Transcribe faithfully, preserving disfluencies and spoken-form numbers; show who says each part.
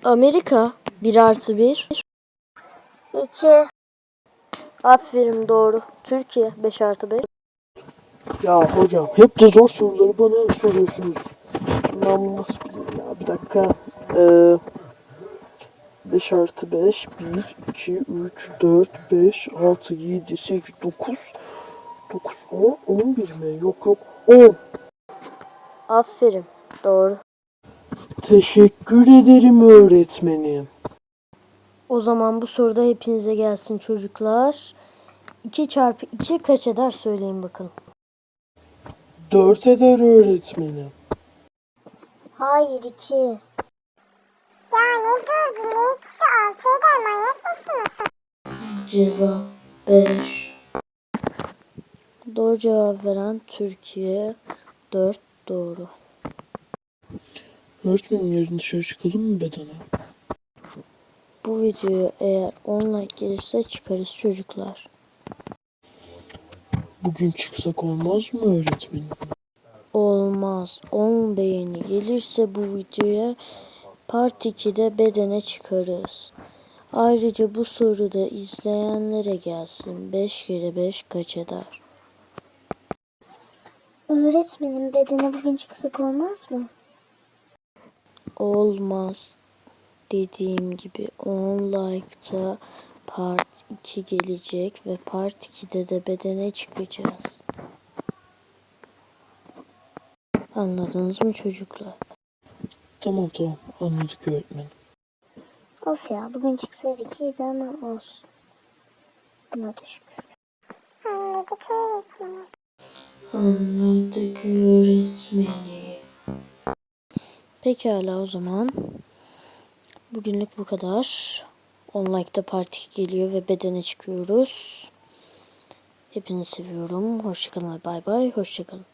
Speaker 1: Amerika bir artı bir.
Speaker 2: iki.
Speaker 1: Aferin, doğru. Türkiye beş artı beş.
Speaker 3: Ya hocam hep de zor soruları bana soruyorsunuz. Şimdi ben bunu nasıl bileyim ya? Bir dakika. Ee, beş artı beş. bir, iki, üç, dört, beş, altı, yedi, sekiz, dokuz. dokuz, on, on bir mi? Yok yok. on.
Speaker 1: Aferin, doğru.
Speaker 3: Teşekkür ederim öğretmenim.
Speaker 1: O zaman bu soruda hepinize gelsin çocuklar. iki çarpı iki kaç eder söyleyin bakalım.
Speaker 3: dört eder öğretmenim.
Speaker 2: Hayır, iki. Ya ne dördü ne ikisi altı eder, manyak mısınız?
Speaker 1: Cevap beş. Doğru cevap veren Türkiye. dört doğru.
Speaker 3: Öğretmenim yarın dışarı çıkalım mı bedene?
Speaker 1: Bu videoya eğer on like gelirse çıkarız çocuklar.
Speaker 3: Bugün çıksak olmaz mı öğretmenim?
Speaker 1: Olmaz. on beğeni gelirse bu videoya part ikide bedene çıkarız. Ayrıca bu soruda izleyenlere gelsin. beş kere beş kaç eder?
Speaker 2: Öğretmenim, bedene bugün çıksak olmaz mı?
Speaker 1: Olmaz. Dediğim gibi on like'ta part iki gelecek ve part ikide de bedene çıkacağız. Anladınız mı çocuklar?
Speaker 3: Tamam tamam anladık öğretmenim.
Speaker 2: Of ya, bugün çıksaydık iyiydi ama olsun. Buna da şükür. Anladık öğretmenim.
Speaker 1: Anladık öğretmeni. Pekala o zaman. Bugünlük bu kadar. on like'da part iki geliyor ve bedene çıkıyoruz. Hepinizi seviyorum. Hoşçakalın ve bay bay. Hoşçakalın.